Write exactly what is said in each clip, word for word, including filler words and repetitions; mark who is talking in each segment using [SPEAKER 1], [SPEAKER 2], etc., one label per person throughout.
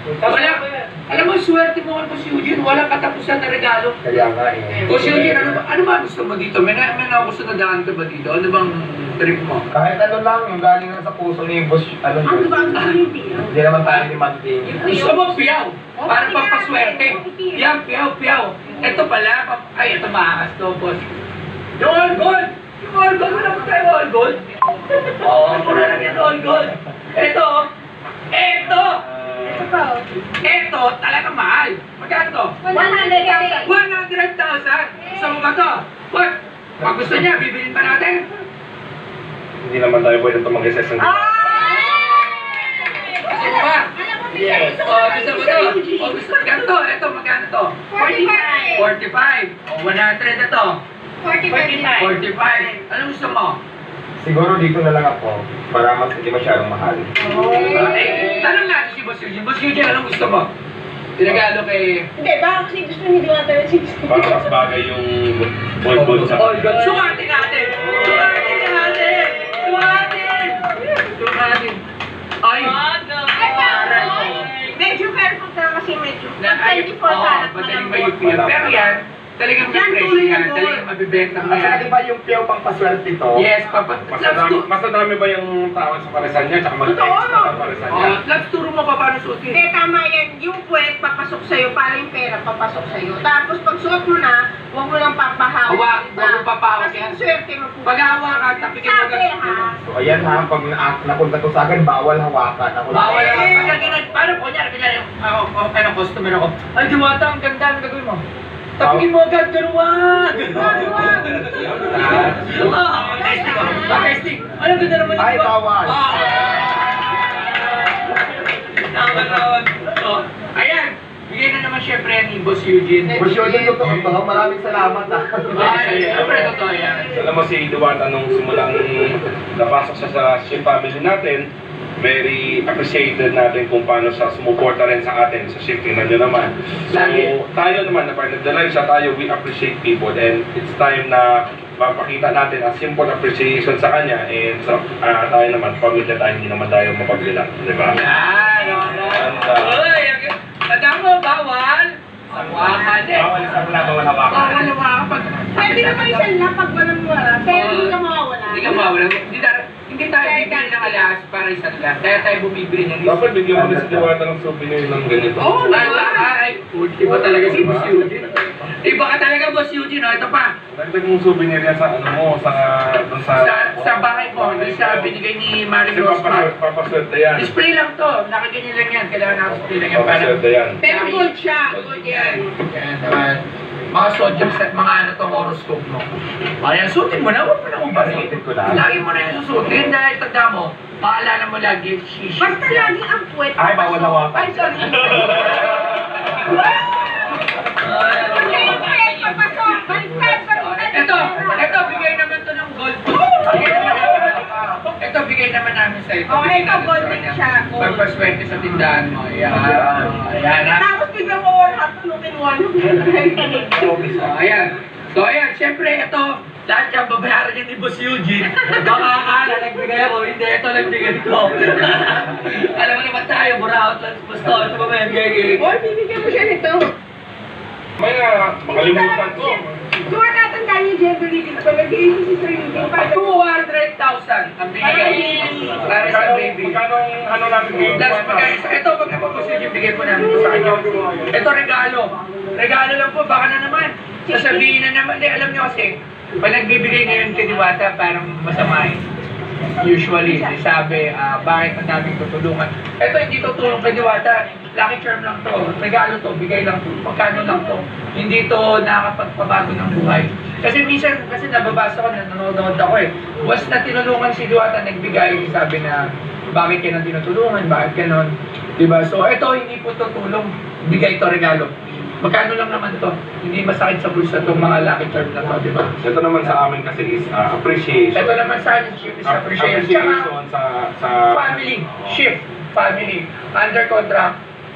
[SPEAKER 1] Wala, alam mo, swerte mo kay Boss Eugene, walang katapusan na regalo.
[SPEAKER 2] Kaya nga eh.
[SPEAKER 1] Boss Eugene, ano ba, ano ba gusto mo dito? May, na, may nagusto na daan ka ba dito? Ano bang trip mo?
[SPEAKER 2] Kahit ano lang, yung galing na sa puso ni Boss, ano
[SPEAKER 3] Ano
[SPEAKER 2] yun.
[SPEAKER 3] ba ang hindi?
[SPEAKER 2] Hindi naman tayo demanding.
[SPEAKER 1] Gusto mo piyaw? Para pampaswerte. Piyaw, piyaw, piyaw. Ito pala, pap- ay, ito maakas to, boss. Yung all gold! Yung all gold, wala mo tayo all gold? Oo, mura lang yan all gold. Ito, ito,
[SPEAKER 3] Ito pa oh.
[SPEAKER 1] ito, talaga mahal. Magkano to?
[SPEAKER 3] one hundred thousand.
[SPEAKER 1] one hundred thousand. Gusto mo ba to? What? Pag gusto niya, bibilin pa natin.
[SPEAKER 2] Hindi naman tayo pwede tumanggi sa isang
[SPEAKER 1] Gusto mo ba?
[SPEAKER 2] Yes.
[SPEAKER 1] O, gusto mo to? O, gusto mo ganito? Ito, magkano to?
[SPEAKER 3] forty-five.
[SPEAKER 1] forty-five. O, one hundred na to.
[SPEAKER 3] forty-five.
[SPEAKER 1] forty-five. Anong gusto mo?
[SPEAKER 2] Siguro dito na lang ako para mas hindi masyadong mahal.
[SPEAKER 1] Ah, eh, tanong natin si Boss Eugene. Boss Eugene, anong gusto mo? Tinagalo kay...
[SPEAKER 3] Hindi, baka kasi gusto hindi ko natin six.
[SPEAKER 4] Para mas bagay yung all gold sa...
[SPEAKER 1] All good. Sukatin natin! Sukatin natin! Sukatin! Sukatin! Ay! Aray ko.
[SPEAKER 3] Medyo careful ka kasi medyo.
[SPEAKER 1] Na, ay,
[SPEAKER 3] twenty-four
[SPEAKER 1] oo,
[SPEAKER 3] karat
[SPEAKER 1] madaling
[SPEAKER 3] malambot.
[SPEAKER 1] mayupi yan. Pero yan, talagang may
[SPEAKER 3] Yan,
[SPEAKER 1] presyo
[SPEAKER 3] tuloy
[SPEAKER 1] yan.
[SPEAKER 3] yan, tuloy.
[SPEAKER 1] Talagang mabibenta mo
[SPEAKER 2] At saka
[SPEAKER 1] yan.
[SPEAKER 2] di ba yung piyaw pang paswerte to?
[SPEAKER 1] Yes, papa.
[SPEAKER 4] Mas
[SPEAKER 1] Labs
[SPEAKER 4] dami,
[SPEAKER 1] to.
[SPEAKER 4] mas dami ba yung tao sa paresan niya? Tsaka mag-text
[SPEAKER 3] Totoo.
[SPEAKER 4] na sa paresan niya?
[SPEAKER 1] Oh, labs, turo mo pa paano suotin.
[SPEAKER 3] Hindi, tama yan. Yung puwet, papasok sa'yo. Para yung pera, papasok sa'yo. Tapos pag suot mo na, huwag mo lang papahawak.
[SPEAKER 1] Hawak,
[SPEAKER 3] diba?
[SPEAKER 1] huwag mo papahawak
[SPEAKER 3] Kasi
[SPEAKER 1] yan.
[SPEAKER 3] yung swerte mo po.
[SPEAKER 1] Pag hawakan, tapikin mo
[SPEAKER 3] Sabi
[SPEAKER 1] agad.
[SPEAKER 3] ha.
[SPEAKER 2] So ayan ha, pag na napunta to sa akin, bawal hawakan. Ako lang.
[SPEAKER 1] Bawal ako. Pag ganun, paano po niya? Kunyari, ako, ako, ano, customer ako. Ay, Diwata, ang ganda. Ano gagawin mo? Tapikin mo agad, ganuwag! Ah, testing ako. Ah, testing. Ano ganda naman
[SPEAKER 2] Ay,
[SPEAKER 1] diba?
[SPEAKER 2] bawal.
[SPEAKER 1] Ah. Tama naman. So, ayan. Bigay na naman syempre yan ni Boss Eugene.
[SPEAKER 2] Boss Eugene, totoo to. Maraming salamat ha.
[SPEAKER 1] Ay, syempre totoo yan.
[SPEAKER 4] Alam mo si Diwata nung simulang napasok siya sa Ship family natin, very appreciated natin kung paano siya sumuporta rin sa atin sa Ship. Tingnan nyo naman. So,
[SPEAKER 1] Lagi.
[SPEAKER 4] tayo naman, na part of the life siya, tayo, we appreciate people and it's time na mapakita natin a simple appreciation sa kanya and sa ah, tayo naman, pamilya tayo, hindi naman tayo mapagbilang, di ba?
[SPEAKER 1] Yan, wala. Uy, tandaan mo, bawal. Sawakan eh.
[SPEAKER 2] Bawal sa wala, bawal hawakan.
[SPEAKER 1] Bawal lumakapag.
[SPEAKER 3] Pwede naman isa lang pag walang wala. Pero hindi ka mawawala.
[SPEAKER 1] Hindi ka mawala. Hindi tayo, hindi tayo bibili ng alahas para isang lang. Kaya tayo bumibili ng
[SPEAKER 4] Dapat bigyan mo rin si Diwata ng souvenir ng ganito.
[SPEAKER 1] Oo, oh, ay, iba talaga si Boss Eugene. Iba ka talaga, Boss Eugene. O, ito pa.
[SPEAKER 4] Dagdag mong souvenir yan sa ano mo, sa... dun sa,
[SPEAKER 1] Sa, sa bahay mo, doon sa binigay ni Marie
[SPEAKER 4] Kasi
[SPEAKER 1] Rosmar.
[SPEAKER 4] papaswerte, papaswerte yan.
[SPEAKER 1] Display lang to. Nakaganyan lang yan. Kailangan naka-display lang yan. Para
[SPEAKER 4] Papaswerte yan.
[SPEAKER 3] Pero gold siya.
[SPEAKER 1] Gold yan. Yan naman. Mga zodiac set, mga ano to, horoscope mo. Ayan, suotin mo na. Huwag mo na ubarin.
[SPEAKER 2] Suotin ko na.
[SPEAKER 1] Lagi mo na yung susutin dahil tanda mo, maalala mo lagi, shishi.
[SPEAKER 3] Basta lagi ang puwet.
[SPEAKER 2] Ay, bawal hawakan.
[SPEAKER 3] Ay, sorry. Kasi yung puwet, papasok. Baliktad, baliktad.
[SPEAKER 1] Ito, ito, bigay naman to ng gold. Bigay naman namin. Ito, bigay naman namin sa ito.
[SPEAKER 3] Oh,
[SPEAKER 1] Bigay
[SPEAKER 3] ito,
[SPEAKER 1] namin
[SPEAKER 3] gold
[SPEAKER 1] sa
[SPEAKER 3] din
[SPEAKER 1] kanya.
[SPEAKER 3] siya, gold.
[SPEAKER 1] Pagpaswerte sa tindahan mo. Ayan. Ayan, ha?
[SPEAKER 3] Tapos biglang mo one half tunukin one.
[SPEAKER 1] So, ayan. So, ayan, syempre, ito, lahat yung babayaran niya ni Boss Eugene. Baka akala, nagbigay ako. Hindi, ito nagbigay ko. Alam mo naman tayo, buraot lang. Basta, ito ba may gagawin?
[SPEAKER 3] Boy, bibigyan mo siya nito.
[SPEAKER 4] May na, makalimutan ko.
[SPEAKER 3] Kung matatandaan niyo, Jeffrey, dito pa nag-iisip si Sir Eugene.
[SPEAKER 1] two hundred thousand ang binigay para sa baby.
[SPEAKER 4] Magkano ang ano namin ngayon?
[SPEAKER 1] Plus, pagka, ito, pag Boss Eugene, bigay po namin ito sa kanya. Ito, regalo. Regalo lang po, baka na naman. Sasabihin na naman, di, alam niyo kasi, pag nagbibigay ngayon kay Diwata, parang masamahin. Usually, sabi, ah, bakit ang daming tutulungan? Ito, hindi tutulong kay Diwata. Lucky charm lang to. Regalo to, bigay lang to. Magkano lang to. Hindi to nakakapagpabago ng buhay. Kasi minsan, kasi nababasa ko, nanonood ako eh. Once na tinulungan si Diwata, nagbigay, sabi na, bakit ka nang tinutulungan, bakit ganon. Diba? So, ito, hindi po to tulong. Bigay to, regalo. Magkano lang naman to. Hindi masakit sa bulsa itong mga lucky charm na to, diba?
[SPEAKER 4] Ito naman sa amin kasi is uh, appreciation.
[SPEAKER 1] Ito naman sa akin, shift is
[SPEAKER 4] Ap-
[SPEAKER 1] appreciation. Tsaka,
[SPEAKER 4] Appreciation sa... sa
[SPEAKER 1] family, shift, family, under contract,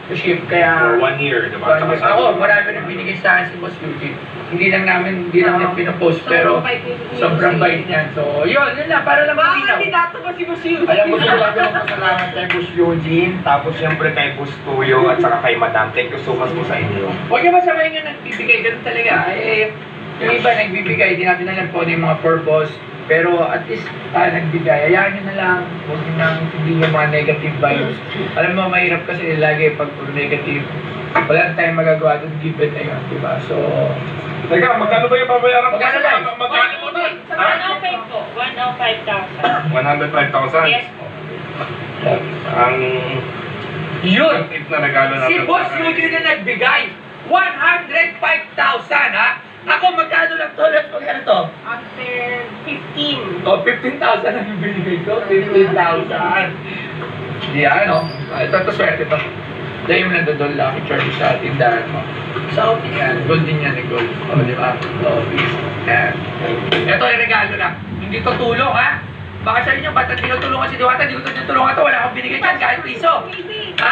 [SPEAKER 1] to ship,
[SPEAKER 4] For
[SPEAKER 1] kaya...
[SPEAKER 4] one year, di ba?
[SPEAKER 1] One
[SPEAKER 4] Tsaka
[SPEAKER 1] year.
[SPEAKER 4] sa-
[SPEAKER 1] Ako, marami rin binigay sa akin si Boss Eugene. Hindi lang namin, hindi lang niya pinopost, pero sobrang bait niyan. So, yun, yun lang, para lang
[SPEAKER 3] Mga
[SPEAKER 1] makinaw.
[SPEAKER 3] kandidato ba si Boss Eugene?
[SPEAKER 2] Alam, gusto ko lang din magpasalamat kay Boss Eugene, tapos siyempre kay Boss Tuyo, at saka kay Madam. Thank you so much po sa inyo.
[SPEAKER 1] Huwag niyo masamayin yung nagbibigay, ganun talaga. Eh, yung iba nagbibigay, di natin alam po ano yung mga purpose. Pero at least ah, nagbigay, hayaan nyo na lang. Huwag nyo nang hindi yung mga negative vibes. Alam mo, mahirap kasi lagi pag puro negative. Wala tayong magagawa doon, given na yun, di ba? So,
[SPEAKER 4] Teka, magkano ba yung babayaran ko?
[SPEAKER 1] Magkano lang?
[SPEAKER 4] Magkano mo doon?
[SPEAKER 5] one oh five po. one oh five thousand.
[SPEAKER 4] one hundred five thousand?
[SPEAKER 5] Yes po.
[SPEAKER 4] Ang
[SPEAKER 1] yun!
[SPEAKER 4] tip na regalo natin.
[SPEAKER 1] Si Boss Eugene na nagbigay, one hundred five thousand ha? Ako magkano lang to? Let's magkano to?
[SPEAKER 3] After fifteen.
[SPEAKER 1] O, fifteen thousand ang binigay ko. fifteen thousand. Yan, o. Ito, ito, swerte to. Dahil mo nandun lucky charge sa tindahan mo. So, yan. Gold din yan, eh, gold. O, di ba? O, please. Yan. Ito, ay regalo lang. Hindi to tulong, ha? Baka sa inyo, ba't ang tinutulungan si Diwata? Hindi ko ito tinutulungan to. Wala akong binigay dyan, kahit piso. Ha?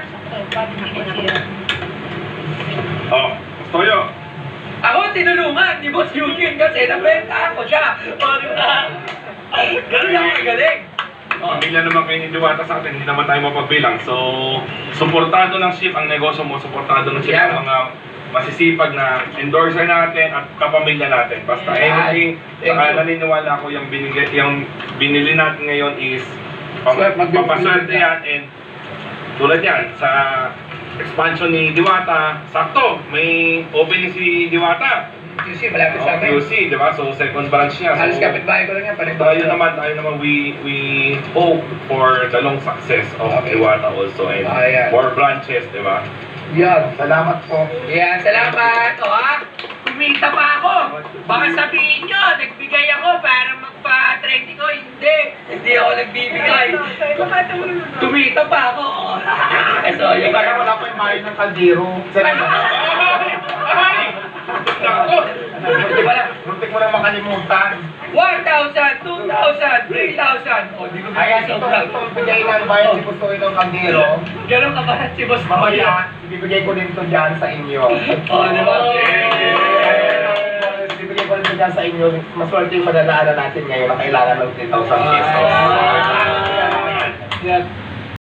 [SPEAKER 4] Oh, Toyo.
[SPEAKER 1] Ako tinulungan ni Boss Eugene kasi nabenta ako siya. O, di ba? Ganun lang magaling. O,
[SPEAKER 4] Pamilya naman kayo ni Diwata sa atin, hindi naman tayo mapagbilang. So, suportado ng ship ang negosyo mo, suportado ng ship
[SPEAKER 1] Yeah.
[SPEAKER 4] ang mga masisipag na endorser natin at kapamilya natin. Basta
[SPEAKER 1] Yeah.
[SPEAKER 4] anything,
[SPEAKER 1] Thank
[SPEAKER 4] saka
[SPEAKER 1] you.
[SPEAKER 4] naniniwala ko yung, binigay, yung binili natin ngayon is pam-
[SPEAKER 1] Swerte, magbibigay
[SPEAKER 4] papaswerte
[SPEAKER 1] ka.
[SPEAKER 4] yan and tulad yan sa expansion ni Diwata, sakto, may opening si Diwata.
[SPEAKER 1] Q C, malapit
[SPEAKER 4] Oh,
[SPEAKER 1] sa amin.
[SPEAKER 4] Q C, di ba? So, second branch niya.
[SPEAKER 1] Halos
[SPEAKER 4] So,
[SPEAKER 1] kapitbahay ko lang yan. Pareho
[SPEAKER 4] tayo naman, tayo naman, we we hope for the long success of
[SPEAKER 1] Okay.
[SPEAKER 4] Diwata also and
[SPEAKER 1] Ah, yeah.
[SPEAKER 4] more branches, di ba?
[SPEAKER 1] Yan.
[SPEAKER 2] Salamat po.
[SPEAKER 1] Yan, salamat. O ha? Kumita pa ako. Baka sabihin nyo, nagbigay ako para magpa-trending ko. Hindi. Hindi ako nagbibigay. Kumita pa ako. so, yun.
[SPEAKER 2] Kaya wala pa yung mayo ng kaldero.
[SPEAKER 4] Nako!
[SPEAKER 1] Hindi pala.
[SPEAKER 2] Muntik mo lang makalimutan.
[SPEAKER 1] one thousand, two thousand, three thousand. O, di ko
[SPEAKER 2] Ayan,
[SPEAKER 1] bigay
[SPEAKER 2] ito,
[SPEAKER 1] sobra.
[SPEAKER 2] itong bigay ng bayan si Gusto ng kaldero.
[SPEAKER 1] Ganun ka ba si Boss
[SPEAKER 2] Mamaya, ibibigay ko din to dyan sa inyo.
[SPEAKER 1] O, di ba?
[SPEAKER 2] Yes. Ibibigay ko rin to dyan sa inyo. Maswerte yung madadaanan natin ngayon na kailangan ng three thousand pesos.
[SPEAKER 1] Yan.